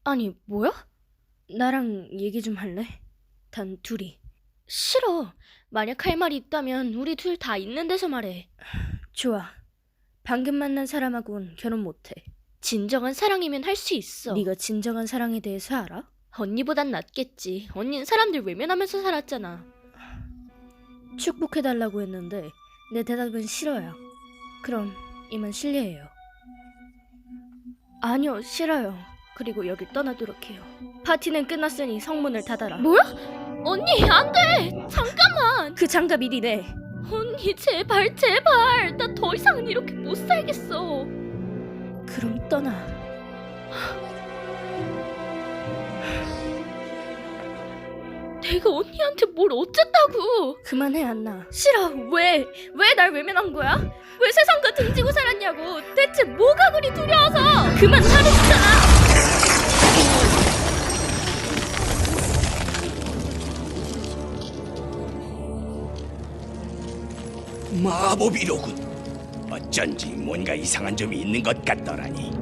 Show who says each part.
Speaker 1: 아니, 뭐야? 나랑 얘기 좀 할래? 단 둘이. 싫어. 만약 할 말이 있다면 우리 둘 다 있는 데서 말해. 좋아. 방금 만난 사람하고는 결혼 못해. 진정한 사랑이면 할 수 있어. 네가 진정한 사랑에 대해서 알아? 언니보단 낫겠지. 언닌 사람들 외면하면서 살았잖아. 축복해달라고 했는데 내 대답은 싫어요. 그럼 이만 실례해요. 아니요, 싫어요. 그리고 여길 떠나도록 해요. 파티는 끝났으니 성문을 닫아라. 뭐야? 언니, 안 돼! 잠깐만! 그 장갑이 니네. 언니, 제발, 제발! 나 더 이상은 이렇게 못 살겠어. 그럼 떠나. 내가 언니한테 뭘 어쨌다고! 그만해, 안나. 싫어. 왜? 왜 날 외면한 거야? 왜 세상과 등지고 살았냐고. 대체 뭐가 그리 두려워서. 그만 하랬잖아.
Speaker 2: 마법이로군. 어쩐지 뭔가 이상한 점이 있는 것 같더라니.